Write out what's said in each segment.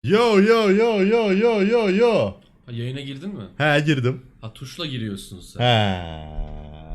Yo yo yo yo yo yo yo. Ha, yayına girdin mi? He girdim. Ha, tuşla giriyorsun sen. He.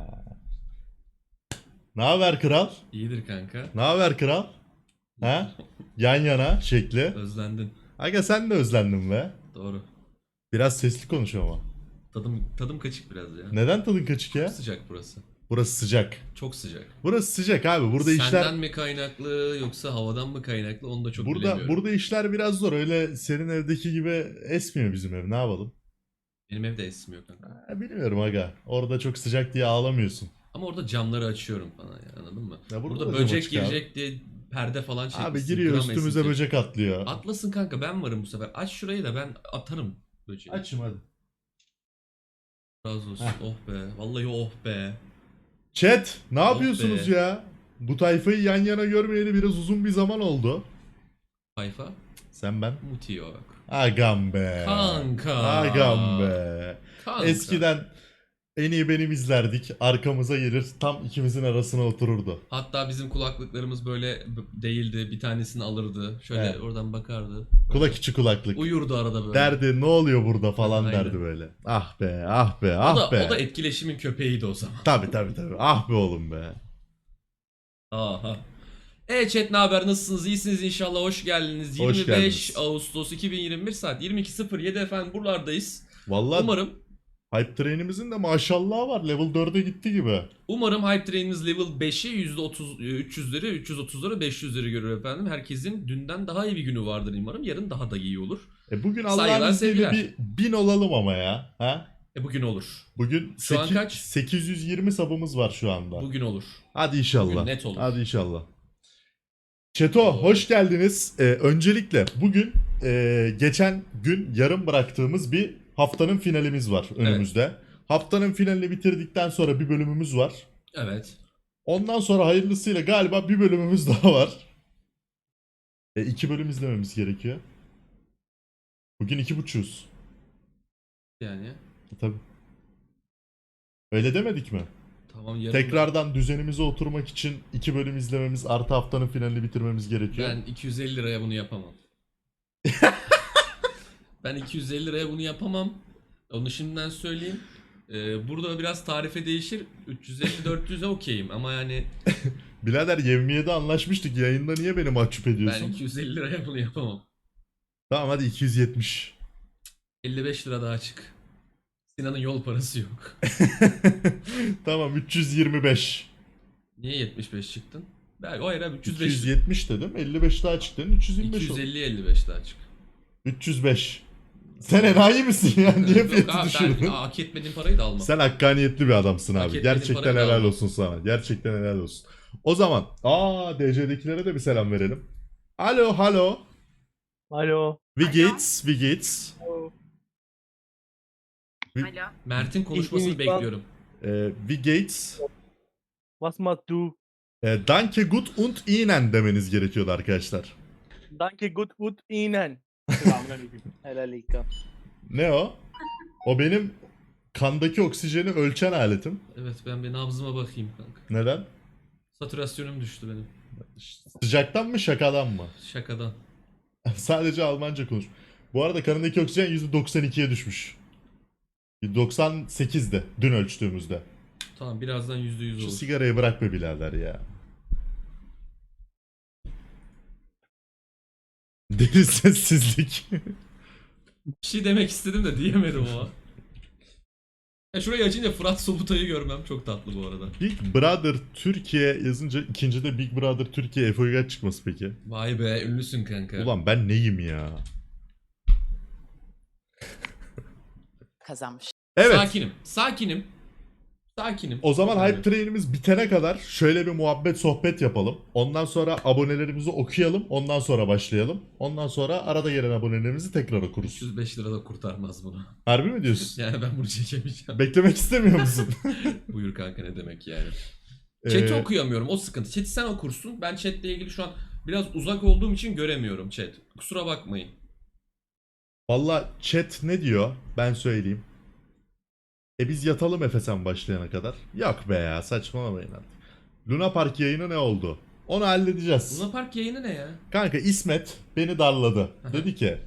Ne haber kral? İyidir kanka. Ne haber kral? He? Yan yana şekli. Özlendin. Aga sen de özlendin be. Doğru. Biraz sesli konuş ama. Tadım kaçık biraz ya. Neden tadın kaçık ya? Sıcak burası. Burası sıcak. Çok sıcak. Burası sıcak abi. Burada Senden işler mi kaynaklı yoksa havadan mı kaynaklı onu da çok burada bilemiyorum. burada işler biraz zor. Öyle senin evdeki gibi esmiyor bizim ev. Ne yapalım? Benim evde esmiyor kanka. Bilmiyorum aga. Orada çok sıcak diye ağlamıyorsun. Ama orada camları açıyorum falan ya, anladın mı? Ya burada Burada da cam böcek açık abi. girecek diye perde falan Abi çekmişsin. giriyor gram üstümüze esinti. böcek atlıyor. Atlasın kanka, ben varım bu sefer. Aç şurayı da ben atarım böceği. Açım hadi. Razı olsun. Heh. Oh be. Vallahi oh be. Chat ne yapıyorsunuz be. ya? Bu tayfayı yan yana görmeyeli biraz uzun bir zaman oldu. Sayfa. Sen ben. Muti yok. Agam be. Kanka. Agam be. Kanka. Eskiden en iyi benim izlerdik. Arkamıza gelir tam ikimizin arasına otururdu. Hatta bizim kulaklıklarımız böyle değildi. Bir tanesini alırdı. Şöyle Evet. oradan bakardı. Kulak içi kulaklık. Uyurdu arada böyle. Derdi ne oluyor burada falan Aynen. derdi böyle. Ah be ah be O ah da, be. o da etkileşimin köpeğiydi o zaman. Tabi tabi tabi. Ah be oğlum be. Aha. Chat, ne haber, nasılsınız, iyisiniz inşallah, hoş geldiniz. Hoş 25 geldiniz. Ağustos 2021 saat 22.07 efendim, buralardayız. Vallahi Umarım hype train'imizin de maşallahı var. Level 4'e gitti gibi. Hype Train'imiz level 5'i %30 300'leri 330'ları 500'leri görür efendim. Herkesin dünden daha iyi bir günü vardır umarım. Yarın daha da iyi olur. Bugün Saygılar, Allah'ın izniyle sevgiler. bir 1000 olalım ama ya. Ha? Bugün olur. Bugün Şu an kaç? 820 sabımız var şu anda. Bugün olur. Hadi inşallah. Bugün net olur. Hadi inşallah. Çeto hoş geldiniz. Öncelikle bugün geçen gün yarım bıraktığımız bir haftanın finalimiz var önümüzde. Haftanın finalini bitirdikten sonra bir bölümümüz var. Evet. Ondan sonra hayırlısıyla galiba bir bölümümüz daha var. 2 bölüm izlememiz gerekiyor. Bugün 2.5'uz. Yani. Tabii. Öyle demedik mi? Tamam, yarın Tekrardan düzenimize oturmak için 2 bölüm izlememiz artı haftanın finalini bitirmemiz gerekiyor. ben 250 liraya bunu yapamam. Ben 250 liraya bunu yapamam. Onu şimdiden söyleyeyim. Burada biraz tarife değişir. 350-400'e okeyim ama yani Birader yevmiyede anlaşmıştık. Yayında niye beni mahcup ben ediyorsun? 250 liraya bunu yapamam. Tamam hadi 270. 55 lira daha çık. Sinan'ın yol parası yok. Tamam 325. Niye 75 çıktın? Belki o hayır abi, 305. 270 dedim. 55 daha çıktı. 325 oldu. 250-55 daha çık. 305. Sen enayi misin ya? Niye Yok fiyatı abi, düşürdün? ben hak etmediğim parayı da almam. Sen hakkaniyetli bir adamsın Hak abi. etmediğin Gerçekten parayı da helal almam. olsun sana. Gerçekten helal olsun. O zaman DC'dekilere de bir selam verelim. Alo, hello. Alo. Vigits, Vigits. Alo. Mert'in konuşmasını İsmini lütfen- bekliyorum. Vigits. Was machst du? Danke gut und Ihnen demeniz gerekiyordu arkadaşlar. Danke gut Ihnen. Selamünaleyküm. Helalika. Ne o? O benim kandaki oksijeni ölçen aletim. Evet, ben bir nabzıma bakayım kanka. Neden? Satürasyonum düştü benim. Sıcaktan mı şakadan mı? Şakadan. Sadece Almanca konuş. Bu arada kanındaki oksijen %92'ye düşmüş. 98'di dün ölçtüğümüzde. Tamam, birazdan %100 Şu olur. sigarayı bırak be birader ya. Deli sessizlik. Bir şey demek istedim de diyemedim o an. Ya şurayı açınca Fırat Sobutay'ı görmem çok tatlı bu arada. Big Brother Türkiye yazınca ikincide Big Brother Türkiye FOİGA çıkması peki. Vay be, ünlüsün kanka. Ulan ben neyim ya? Kazanmış. Evet. Sakinim. O zaman Yani. hype train'imiz bitene kadar şöyle bir muhabbet sohbet yapalım. Ondan sonra abonelerimizi okuyalım. Ondan sonra başlayalım. Ondan sonra arada gelen abonelerimizi tekrar okuruz. 305 lira da kurtarmaz bunu. Harbi mi diyorsun? Yani ben bunu çekemeyeceğim. Beklemek istemiyor musun? Buyur kanka, ne demek yani. Ee, Chat'i okuyamıyorum, o sıkıntı. Chat'i sen okursun. Ben chat'le ilgili şu an biraz uzak olduğum için göremiyorum chat. Kusura bakmayın. Valla chat ne diyor? Ben söyleyeyim. Biz yatalım Efesen başlayana kadar. Yok be ya, saçmalamayın artık. Luna Park yayını ne oldu? Onu halledeceğiz. Luna Park yayını ne ya? Kanka İsmet beni darladı. Aha. Dedi ki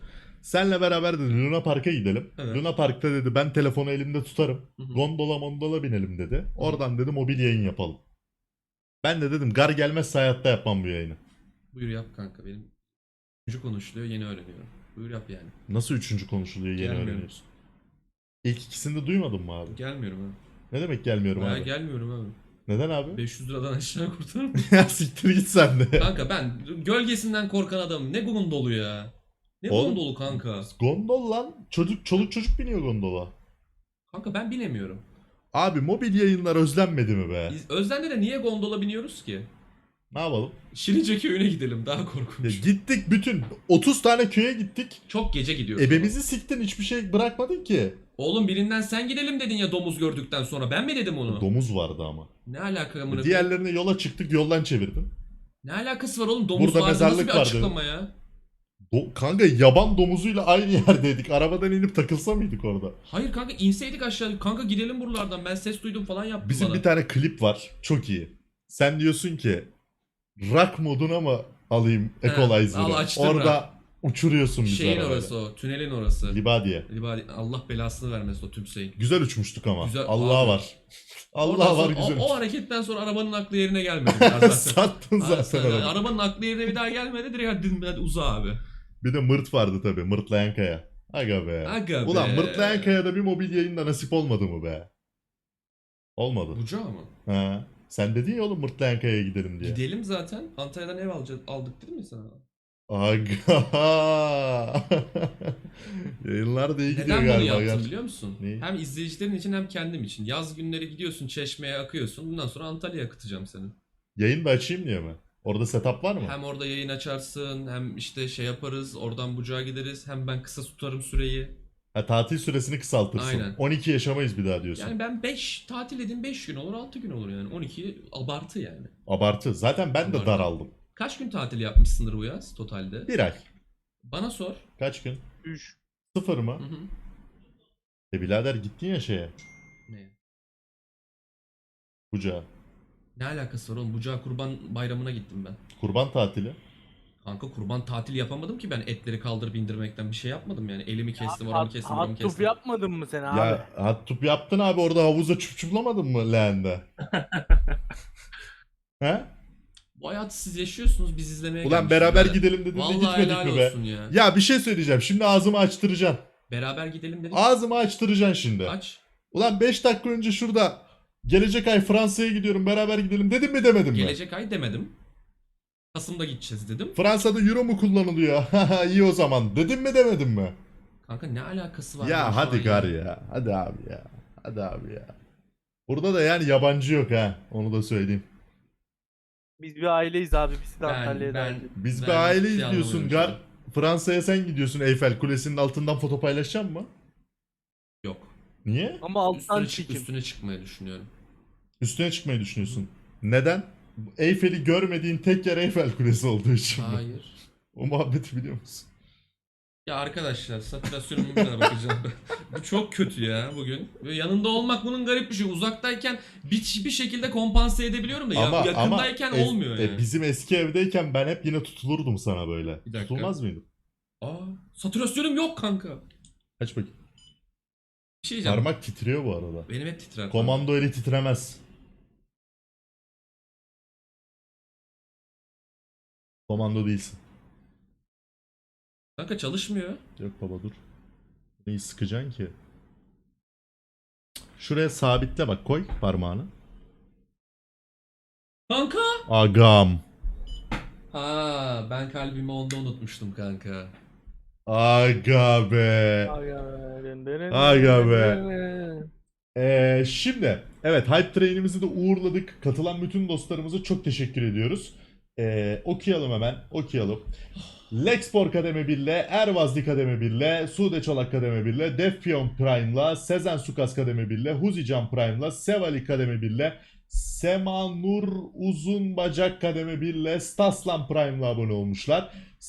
Senle beraber dedi Luna Park'a gidelim. Evet. Luna Park'ta dedi ben telefonu elimde tutarım. Hı hı. Gondola binelim dedi. Oradan dedi mobil yayın yapalım. Ben de dedim gar gelmezse hayatta yapmam bu yayını. Buyur yap kanka benim. Üçüncü konuşuluyor yeni öğreniyorum. Buyur yap yani. Nasıl üçüncü konuşuluyor yeni Gelmiyorum. öğreniyorsun? İlk ikisini de duymadın mı abi? Gelmiyorum abi. Ne demek gelmiyorum Bayağı abi? gelmiyorum abi. Neden abi? 500 liradan aşağı kurtarır mı? Ya siktir git sen de. Kanka ben gölgesinden korkan adamım. Ne gondolu ya? Ne Oğlum, gondolu kanka? Gondol lan. Çoluk çocuk biniyor gondola. Kanka ben binemiyorum. Abi mobil yayınlar özlenmedi mi be? Biz Özden'de niye gondola biniyoruz ki? Ne yapalım? Şirince köyüne gidelim daha Ya korkunç. gittik bütün 30 tane köye gittik. Çok gece gidiyoruz. Ebemizi siktin hiçbir şey bırakmadın ki. Oğlum birinden sen gidelim dedin ya domuz gördükten sonra. Ben mi dedim onu? Domuz vardı ama. Ne alaka amına koyayım? Diğerlerine yola çıktık yoldan çevirdin. Ne alakası var oğlum? Domuz Burada vardı nasıl mezarlık bir vardı. açıklama ya? Kanka yaban domuzuyla aynı yerdeydik. Arabadan inip takılsa mıydık orada? Hayır kanka inseydik aşağı. Kanka gidelim buralardan. Ben ses duydum falan yaptım Bizim bana. bir tane klip var. Çok iyi. Sen diyorsun ki rock moduna mı alayım He, Equalizer'ı? al açtım Orada uçuruyorsun bizi Şeyin arabayla. orası o. Tünelin orası. Libadiye. Allah belasını vermesin o tümseyin. Güzel uçmuştuk ama. Güzel, Allah abi. var. Allah Oradan var sonra güzel. o hareketten sonra arabanın aklı yerine gelmedi ya zaten. Sattın zaten Yani arabayı. arabanın aklı yerine bir daha gelmedi. Direkt hadi uza abi. Bir de mırt vardı tabii. Mırtlayan kaya. Aga be. Aga Ulan be. mırtlayan kayada bir mobil yayında nasip olmadı mı be? Olmadı. Bucağı mı? Ha. Sen dedin ya oğlum mırtlayan kayaya gidelim diye. Gidelim zaten. Antalya'dan ev aldık değil mi sana? Aga. Yayınlar da iyi gidiyor Neden bunu galiba. yaptım gerçi. biliyor musun? Neyi? Hem izleyicilerin için hem kendim için. Yaz günleri gidiyorsun Çeşme'ye akıyorsun. Bundan sonra Antalya'ya akıtacağım seni. Yayın da açayım diye mi? Orada setup var mı? Hem orada yayın açarsın hem işte şey yaparız. Oradan Bucağa gideriz. Hem ben kısa tutarım süreyi. Ha, tatil süresini kısaltırsın. Aynen. 12 yaşamayız bir daha diyorsun. Yani ben 5 tatil edeyim 5 gün olur 6 gün olur yani. 12 abartı yani. Abartı. Zaten ben de Abartı. daraldım. Kaç gün tatil yapmışsındır bu yaz totalde? Bir ay. Bana sor. Kaç gün? 3. 0 mı? Hı hı. Birader gittin ya şeye. Ne? Bucağa. Ne alakası var oğlum? Bucağa kurban bayramına gittim ben. Kurban tatili. Kanka kurban tatil yapamadım ki ben etleri kaldırıp indirmekten bir şey yapmadım yani. Elimi kestim, oramı kestim, buramı Hot tub kestim. yapmadın mı sen abi? Ya hot tub yaptın abi orada havuza çuplamadın mı leğende? He? Bu hayatı siz yaşıyorsunuz, biz izlemeye Ulan gelmişiz beraber birader. gidelim dedin de Vallahi gitmedik helal mi be? olsun ya. Ya bir şey söyleyeceğim. Şimdi ağzımı açtıracaksın. Beraber gidelim dedik. Ağzımı açtıracaksın şimdi. Aç. Ulan 5 dakika önce şurada gelecek ay Fransa'ya gidiyorum beraber gidelim dedim mi demedim mi? Gelecek ay demedim. Kasım'da gideceğiz dedim. Fransa'da euro mu kullanılıyor? Haha iyi o zaman. Dedim mi demedim mi? Kanka ne alakası var? Ya şu hadi an gar ya. Hadi abi ya. Hadi abi ya. Burada da yani yabancı yok ha. Onu da söyleyeyim. Biz bir aileyiz abi. Biz de Antalya'ya ben, dahil. Biz ben bir aileyiz ciddiye diyorsun anlamıyorum gar. şu an. Fransa'ya sen gidiyorsun Eyfel Kulesi'nin altından foto paylaşacak mı? Yok. Niye? Ama alttan Üstüne, çekim. üstüne çıkmayı düşünüyorum. Üstüne çıkmayı düşünüyorsun. Neden? Eyfel'i görmediğin tek yer Eyfel Kulesi olduğu için mi? Hayır. O muhabbeti biliyor musun? Ya arkadaşlar satürasyonuma bir daha bakacağım. Bu çok kötü ya bugün. Ve yanında olmak bunun garip bir şey. Uzaktayken bir şekilde kompanse edebiliyorum da ya yakındayken olmuyor yani. Bizim eski evdeyken ben hep yine tutulurdum sana böyle. Bir dakika. Tutulmaz mıydım? Aa, satürasyonum yok kanka. Aç bakayım. Bir şey diyeceğim. Parmak titriyor bu arada. Benim hep titrer. Komando eli titremez. Komando değilsin. Kanka çalışmıyor. Yok baba dur. Neyi sıkacaksın ki? Şuraya sabitle bak koy parmağını. Kanka. Agam. Ha, ben kalbimi onda unutmuştum kanka. Aga be. Aga be. Şimdi evet Hype Train'imizi de uğurladık. Katılan bütün dostlarımıza çok teşekkür ediyoruz. Okuyalım hemen. Okuyalım. Lexpor Kademe 1'le, Ervazli Kademe 1'le, Sude Çolak Kademe 1'le, Defpion Prime'la, Sezen Sukas Kademe 1'le, Huzican Prime'la, Sevali Kademe 1'le, Semanur Uzun Bacak Kademe 1'le, Staslan Prime'la abone olmuşlar.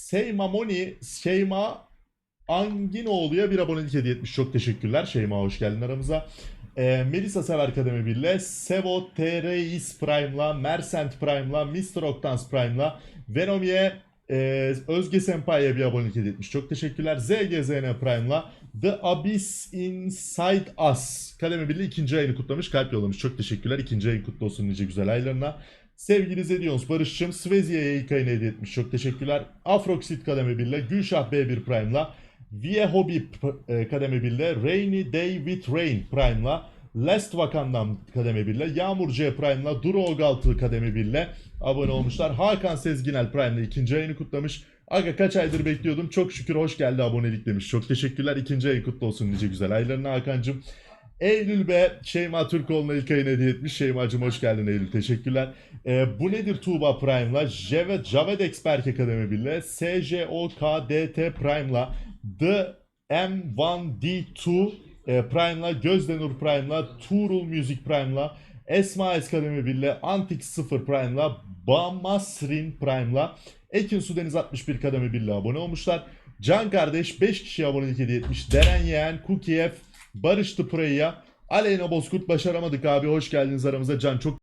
Şeyma Anginoğlu'ya bir abonelik hediye etmiş. Çok teşekkürler. Şeyma hoş geldin aramıza. Melisa Sever Kademe 1'le, Sevo TRX Prime'la, Mersent Prime'la, Mr. Octans Prime'la, Venomiye Özge Senpai'ye bir abonelik hediye etmiş. Çok teşekkürler. ZGZN Prime'la The Abyss Inside Us kademe birliği ikinci ayını kutlamış. Kalp yollamış. Çok teşekkürler. İkinci ayın kutlu olsun nice güzel aylarına. Sevgili Zedions Barış'cığım Svezia'ya ilk ayını hediye etmiş. Çok teşekkürler. Afroxit kademe birliği Gülşah B1 Prime'la Vie Hobby kademe birliği Rainy Day with Rain Prime'la Last Vakan'dan kademe 1'le, Yağmur C Prime'la, Duru Ogaltı kademe 1'le abone olmuşlar. Hakan Sezginel Prime'la ikinci ayını kutlamış. Aga kaç aydır bekliyordum. Çok şükür hoş geldi abonelik demiş. Çok teşekkürler. İkinci ayın kutlu olsun nice güzel aylarına Hakan'cığım. Eylül B Şeyma Türkoğlu'na ilk ayını hediye etmiş. Şeyma'cığım hoş geldin Eylül. Teşekkürler. Bu nedir Tuğba Prime'la, Javedex Berke kademe 1'le, SJOKDT Prime'la, The M1D2 Prime'la, Gözdenur Prime'la, Tuğrul Music Prime'la, Esma Eskademi 1'le, Antik 0 Prime'la, Bamasrin Prime'la, Ekin Sudeniz 61 kademe 1'le abone olmuşlar. Can Kardeş 5 kişiye abonelik hediye etmiş. Deren Yeğen, Kukiev, Barış Tıpıray'a, Aleyna Bozkurt başaramadık abi. Hoş geldiniz aramıza. Can çok